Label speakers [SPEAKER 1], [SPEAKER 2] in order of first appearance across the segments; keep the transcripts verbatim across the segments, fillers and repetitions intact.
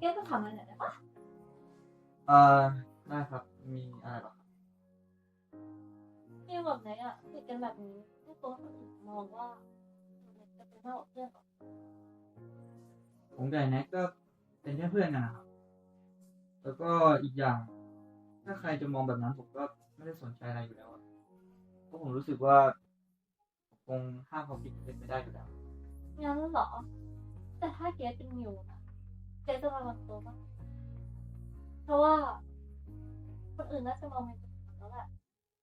[SPEAKER 1] ก้ต้องถามอะไรหน่อยได้ปะ
[SPEAKER 2] เอ่อได้ครับ มีอะไรหรอครับ
[SPEAKER 1] พี่แบบไหนอ่ะคุยกันแบบนี้ไม่กลัวคนอื่นมองว่าเราจะเป็นมากกว่าเพื่อนหรอ
[SPEAKER 2] ผมกับไอ้แน็กก็เป็นแค่เพื่อนกันนะครับ แล้วก็อีกอย่าง ถ้าใครจะมองแบบนั้นผมก็ไม่ได้สนใจอะไรอยู่แล้วอะเพราะผมรู้สึกว่าผมคงห้ามความคิดเป็นไปได้อยู่แล้ว
[SPEAKER 1] งั้นเหรอแต่ถ้าเกสเป็นมิวนะเกสจะระวังตัวปะเพราะว่าคนอื่นน่าจะมองมิวเป็นคนแล้วแหละ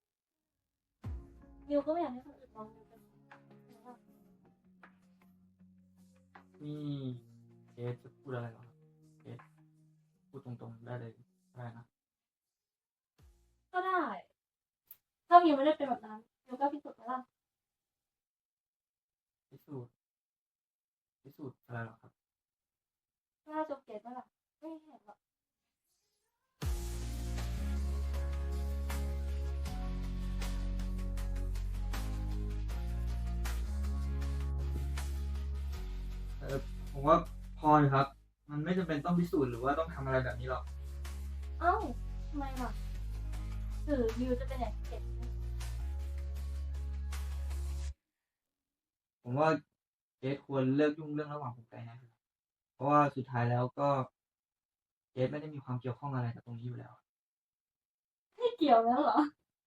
[SPEAKER 1] มิวก็ไม่อยากให้คนอื่นมองมิวเป็นคนแล้วอะ
[SPEAKER 2] นี่เกสจะพูดอะไรเหรอครับเกสพูดตรงๆได้เลยได้นะ
[SPEAKER 1] ก็ได้ ถ้ามิวไม่ได้เป็นแบบนั้นมิวก็พิสูจน์ไปละ
[SPEAKER 2] พิสูจน์พิสูจน์อะไรเหรอครับ
[SPEAKER 1] น่าจะเกสว่าล่ะไม่เห็นหรอก
[SPEAKER 2] เออผมว่าพอเลยครับ มันไม่จำเป็นต้องพิสูจน์หรือว่าต้องทำอะไรแบบนี้หรอก
[SPEAKER 1] เอ้าทำไมล่ะหรือมิวจะเป็นอย่างเกส
[SPEAKER 2] ผมว่าเกสควรเลิกยุ่งเรื่องระหว่างผมกับไอ้แน็กนะครับเพราะว่าสุดท้ายแล้วก็เกสไม่ได้มีความเกี่ยวข้องอะไรกับตรงนี้อยู่แล้ว
[SPEAKER 1] ไม่เกี่ยวแล้วเหรอ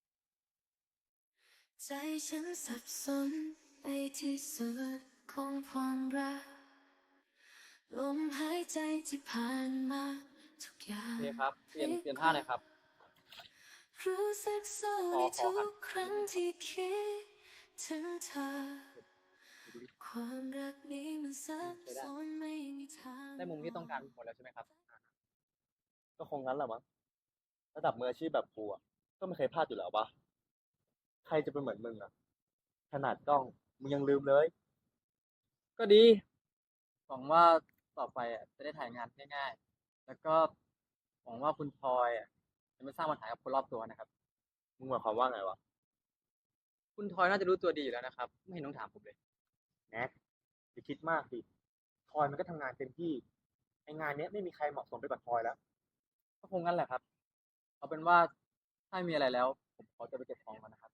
[SPEAKER 3] ใจฉันสับสนไปที่สุดของความรักลมหายใจที่ผ่านมาทุกอย่าง
[SPEAKER 4] โอเคครับ เปลี่ยนเปลี่ยนท่าหน่อยครับ
[SPEAKER 3] รู้สึกเศร้า
[SPEAKER 4] พ
[SPEAKER 3] ใน
[SPEAKER 4] อพอ
[SPEAKER 3] ทุ
[SPEAKER 4] ครับ
[SPEAKER 3] กครั้งที่คิดถึงเธอ ความรักนี้มันซับซ้อนไม่มีทาง
[SPEAKER 4] ได้มุมที่ต้องการหมดแล้วใช่ไหมครับ ก็คงงั้นแหละมั้งระดับมืออาชีพแบบกูอ่ะก็ไม่เคยพลาดอยู่แล้วปะใครจะเป็นเหมือนมึงอ่ะขนาดกล้องมึงยังลืมเลย ก็ดีหวังว่าต่อไปอ่ะจะได้ถ่ายงานง่ายๆ แล้วก็หวังว่าคุณพลอยอ่ะจะไม่สร้างปัญหากับคนรอบตัวนะครับ มึงหมายความว่าไงวะ คุณทอยน่าจะรู้ตัวดีอยู่แล้วนะครับ ไม่เห็นต้องถามผมเลยแน็กอย่าคิดมากดิทอยมันก็ทำงานเต็มที่ไองานเนี้ยไม่มีใครเหมาะสมไปกว่าทอยแล้ว ก็คงงั้นแหละครับ เอาเป็นว่าถ้าไม่มีอะไรแล้ว ผมขอจะไปเก็บของก่อนนะครับ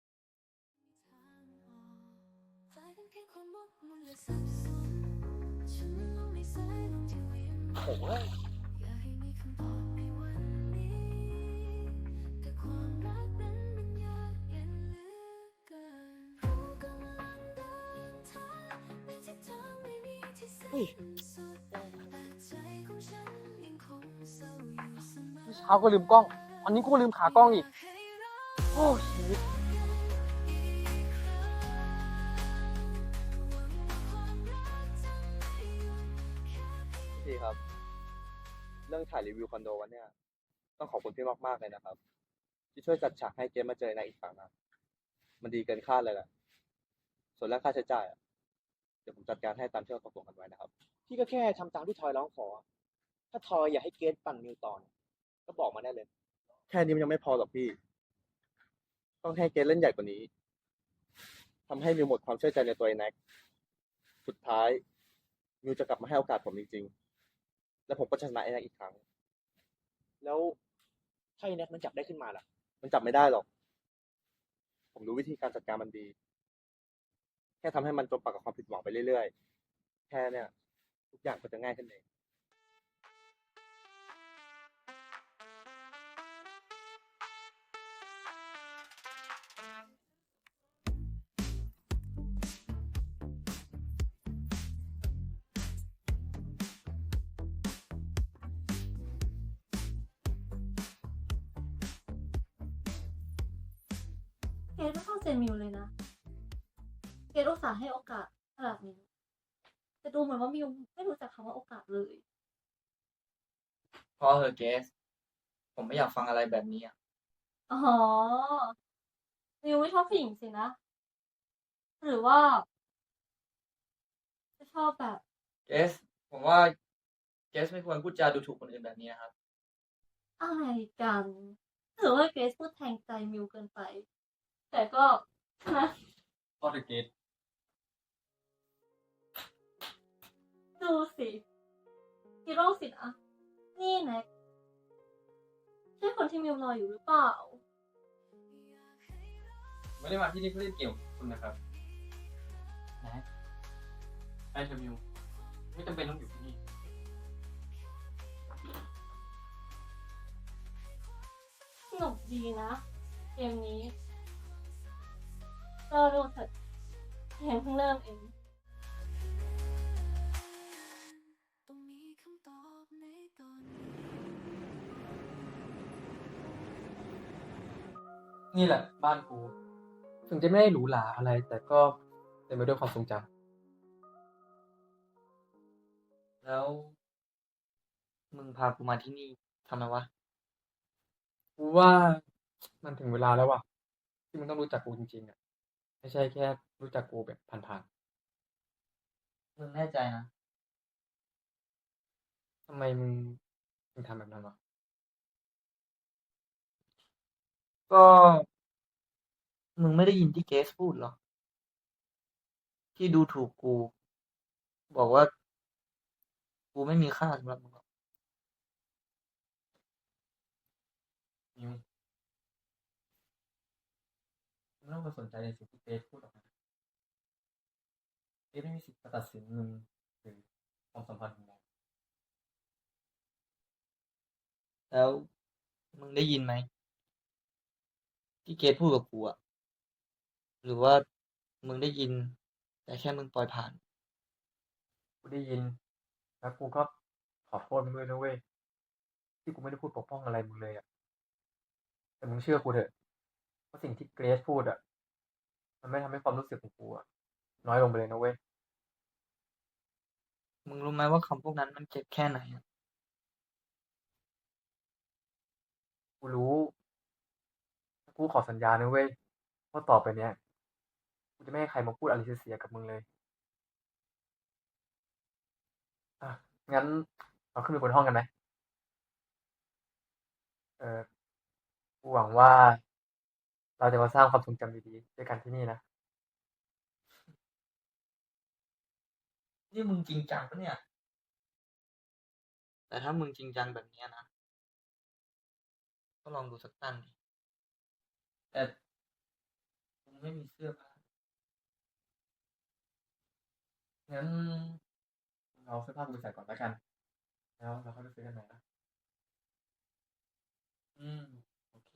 [SPEAKER 3] กลายเป็นเพียงความหมกมุ่นและสับสนฉันลงในสายลมที่เวียนมา
[SPEAKER 4] โอ้ย
[SPEAKER 3] อยากให้มีคำตอบในวันนี้แต่ความรักนั้นมันยากเย็นเหลือเกินรู้กำลังเดินทางในทิศทางไม่มีที่สิ้นสุดแต่ใจของฉันยังคงเศร้าอยู่เสมอ
[SPEAKER 4] เมื่อเช้าก็ลืมกล้อง วันนี้กูก็ลืมขากล้องอีก โอ้ชีวิตพี่ครับ เรื่องถ่ายรีวิวคอนโดวันเนี้ยต้องขอบคุณพี่มากๆเลยนะครับ ที่ช่วยจัดฉากให้เกมมาเจอในอีกฝั่งนะมันดีเกินคาดเลยแหละ ส่วนเรื่องค่าใช้จ่ายอะเดี๋ยวผมจัดการให้ตามที่เราตกลงกันไว้นะครับ พี่ก็แค่ทำตามที่ทอยร้องขอ ถ้าทอยอยากให้เกรทปั่นนิวตอนก็บอกมาได้เลย แค่นี้มันยังไม่พอหรอกพี่ ต้องให้เกรทเล่นใหญ่กว่านี้ทำให้มิวหมดความเชื่อใจในตัวไอ้แน็กสุดท้ายมิวจะกลับมาให้โอกาสผมจริงๆ และผมก็จะชนะไอ้แน็กอีกครั้ง แล้วถ้าไอ้แน็กมันจับได้ขึ้นมาล่ะ มันจับไม่ได้หรอก ผมรู้วิธีการจัดการมันดี แค่ทำให้มันจมปากกับความผิดหวังไปเรื่อยๆ แค่เนี่ยทุกอย่างก็จะง่ายขึ้นเอง
[SPEAKER 1] เกสไม่เข้าใจมิวเลยนะ เกสอุตส่าห์ให้โอกาสขนาดนี้แต่ดูเหมือนว่ามิวไม่รู้จักคำว่าโอกาสเลย
[SPEAKER 2] พอเถอะเกส ผมไม่อยากฟังอะไรแบบนี้อ่ะ
[SPEAKER 1] อ๋อ มิวไม่ชอบผู้หญิงสินะ หรือว่าจะชอบแบบ
[SPEAKER 2] เกส ผมว่าเกสไม่ควรพูดจาดูถูกคนอื่นแบบนี้นะครับ
[SPEAKER 1] อะไรกันหรือว่าเกรซพูดแทงใจมิวเกินไป แต่ก็นะ
[SPEAKER 2] พอเถอะเกส
[SPEAKER 1] ดูสิคิดโรคสินะนี่แน็กใช่คนที่มิวรออยู่หรือเปล่า
[SPEAKER 5] ไม่ได้มาที่นี่เพื่อเล่นเกมกับคุณนะครับแน็กไอเทมิวไม่จำเป็นต้องอยู่ที่นี่
[SPEAKER 1] สนุกดีนะ เกมนี้ก็รู้สึกเกมเพิ่งเริ่มเอง
[SPEAKER 3] ต้องมีคำตอบในตอนนี้
[SPEAKER 5] นี่แหละบ้านกู ถึงจะไม่ได้หรูหราอะไร แต่ก็เต็มไปด้วยความทรงจ
[SPEAKER 2] แล้ว มึงพากูมาที่นี่ทำไมวะ
[SPEAKER 5] ำกูว่ามันถึงเวลาแล้วว่ะ ที่มึงต้องรู้จักกูจริงๆอ่ะ ไม่ใช่แค่รู้จักกูแบบผ่าน
[SPEAKER 2] มึงแน่ใจนะ
[SPEAKER 5] ๆทำไมมึงถึงทำแบบนั้นวะ
[SPEAKER 2] ก็ มึงไม่ได้ยินที่เกสพูดหรอ ที่ดูถูกกู บอกว่า กูไม่มีค่าสำหรับมึงหรอก
[SPEAKER 5] นิวมึงไม่ต้องไปสนใจในสิ่งที่เกรซพูดหรอกนะเกรซไม่มีสิทธิ์มาตัดสินมึงหรือความสัมพันธ์ของเรา
[SPEAKER 2] แล้ว มึงได้ยินไหม ที่เกสพูดกับกูอะหรือว่ามึงได้ยิน แต่แค่มึงปล่อยผ่าน
[SPEAKER 5] กูได้ยิน แล้วกูก็ขอโทษมึงด้วยนะเว้ย ที่กูไม่ได้พูดปกป้องอะไรมึงเลยอ่ะ แต่มึงเชื่อกูเถอะว่าสิ่งที่เกรซพูดอ่ะ มันไม่ทำให้ความรู้สึกของกูอ่ะน้อยลงไปเลยนะเว้ย
[SPEAKER 2] มึงรู้ไหมว่าคำพวกนั้นมันเจ็บแค่ไหนอะ
[SPEAKER 5] กูรู้ กูขอสัญญานะเว้ยว่าต่อไปเนี้ย กูจะไม่ให้ใครมาพูดอะไรเสียๆกับมึงเลย อ่ะ งั้นเราขึ้นไปบนห้องกันไหม เออ กูหวังว่า เราจะมาสร้างความทรงจำดีๆด้วยกันที่นี่นะ
[SPEAKER 2] นี่มึงจริงจังปะเนี่ย แต่ถ้ามึงจริงจังแบบเนี้ยนะ ก็ลองดูสักตั้งดิ แต่มึงไม่มีเสื้อผ้า
[SPEAKER 5] งั้นเราเสื้อผ้ากูไปใส่ก่อนแล้วกัน แล้วเราค่อยไปซื้อกันใหม่นะ
[SPEAKER 2] อืม โอเค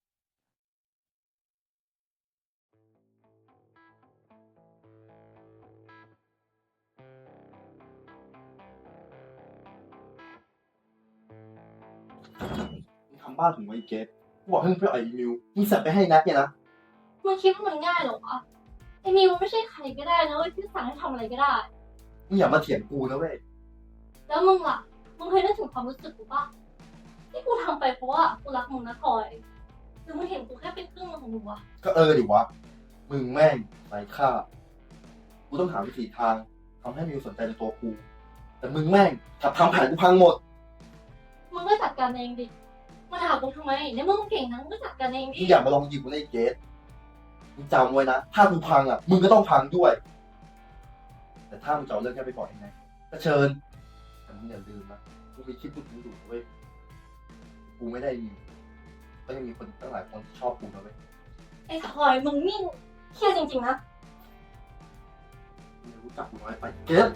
[SPEAKER 6] มึงทำบ้านถึงไว้เกตกูบอกให้มึงไปเอาไอ้มิวมึงสับไปให้นัดเนี่ยนะ
[SPEAKER 1] มึงคิดว่ามันง่ายเหรอวะไอ้มิวไม่ใช่ใครก็ได้นะเว้ยที่สั่งให้ทำอะไรก็ได้
[SPEAKER 6] มึงอย่ามาเถียงกูนะเว้ย
[SPEAKER 1] แล้วมึงล่ะ มึงเคยนึกถึงความรู้สึกกูปะที่กูทำไปเพราะว่ากูรักมึงนะทอยหรือมึงเห็นกูแค่เป็นครึ่งหนึ่งของมึงวะ
[SPEAKER 6] ก็เออดิวะ มึงแม่งไร้ค่า กูต้องหาวิธีทางทำให้มิวสนใจในตัวกู แต่มึงแม่งกลับทำแผนกูพังหมด
[SPEAKER 1] มึงก็จัดการเองดิมาถามกูทำไมในเมื่อมึงเก่งนะมึงก็จัดการเอง
[SPEAKER 6] มึ
[SPEAKER 1] ดิ
[SPEAKER 6] งอย่ามาลองยิงกูในเกตมึงจำไว้นะ ถ้ากูพังอ่ะ มึงก็ต้องพังด้วย แต่ถ้ามึงจะเอาเรื่องแค่ไปปล่อยยังไงก็เชิญ แต่มึงอย่าลืมนะกูมีคลิปพูดถึงอยู่เว้ย กูไม่ได้มีก็ยังมีคนตั้งหลายคนที่ชอบกูนะเว้ย
[SPEAKER 1] ไอ้ทอยมึงนี่เครียดจริงๆนะ
[SPEAKER 6] มึงรู้จักกูน้อยไปเกต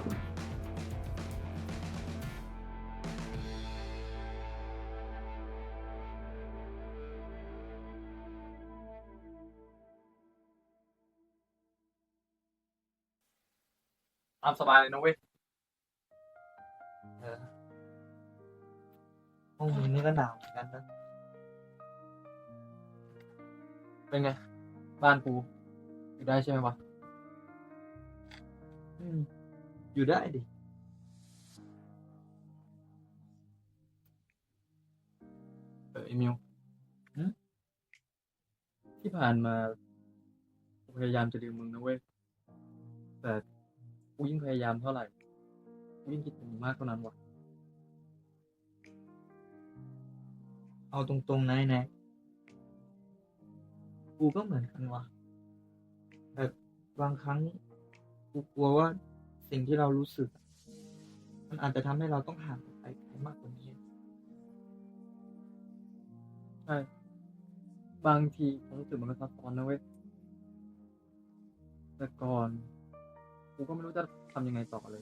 [SPEAKER 5] ตามสบายเลยนะเว้ย
[SPEAKER 2] เออห้องมึงนี่ก็หนาวเหมือนกันนะ
[SPEAKER 5] เป็นไง บ้านกู อยู่ได้ใช่ไหมวะ
[SPEAKER 2] อืม อยู่ได้ดิ
[SPEAKER 5] เออไอมิวหึที่ผ่านมากูพยายามจะลืมมึงนะเว้ย แต่กูยิ่งพยายามเท่าไหร่กูยิ่งคิดถึงมึงมากเท่านั้นวะ
[SPEAKER 2] เอาตรงๆนะไอ้แน็กกูก็เหมือนกันวะแต่บางครั้ง กูกลัวว่าสิ่งที่เรารู้สึก มันอาจจะทำให้เราต้องห่างออกไปไกลมากกว่านี้
[SPEAKER 5] ช่บางทีผมรู้สึกมันก็ซับซ้อนนะเว้ยแต่ก่อนกูก็ไม่รู้จะทำยังไงต่อเลย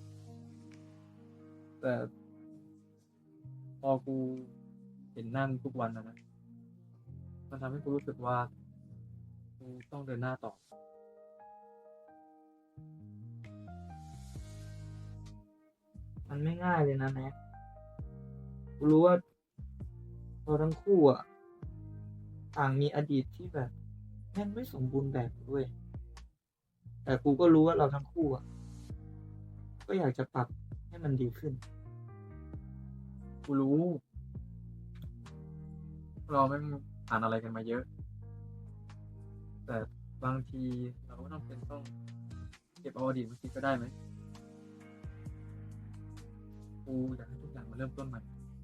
[SPEAKER 5] แต่พอกูเห็นหน้ามึงทุกวันนะนะมันทำให้กูรู้สึกว่ากูต้องเดินหน้าต่อ
[SPEAKER 2] มันไม่ง่ายเลยนะแน็กกูรู้ว่าเราทั้งคู่อ่ะต่างมีอดีตที่แบบแม่งไม่สมบูรณ์แบบด้วยแต่กูก็รู้ว่าเราทั้งคู่อ่ะก็อยากจะปรับให้มันดีขึ้น
[SPEAKER 5] กูรู้ เราไม่งผ่านอะไรกันมาเยอะ แต่บางทีเราก็ต้องเป็นต้องเก็บเอาอดีตมาคิดก็ได้ไหมกูอยากให้ทุกอย่างมันเริ่มต้นใหม่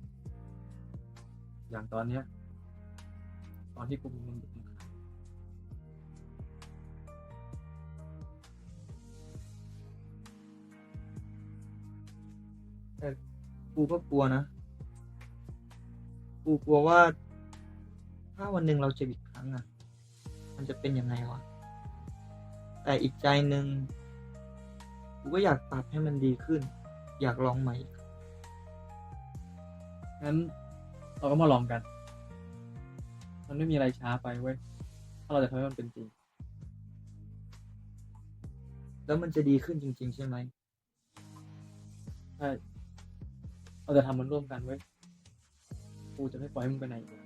[SPEAKER 5] อย่างตอนเนี้ย ตอนที่กูมีมึงอยู่ข้าง
[SPEAKER 2] แต่กูก็กลัวนะ กูกลัวว่า ถ้าวันหนึ่งเราเจออีกครั้งอ่ะ มันจะเป็นยังไงวะ แต่อีกใจหนึ่งกูก็อยากปรับให้มันดีขึ้น อยากลองใหม่อีก
[SPEAKER 5] งั้นเราก็มาลองกัน มันไม่มีอะไรช้าไปเว้ย ถ้าเราจะทำให้มันเป็นจริง
[SPEAKER 2] แล้วมันจะดีขึ้นจริง ๆ ใช่ไหม
[SPEAKER 5] ใช่ เราจะทำมันร่วมกันเว้ย กูจะไม่ปล่อยให้มึงไปไหนอีกเลย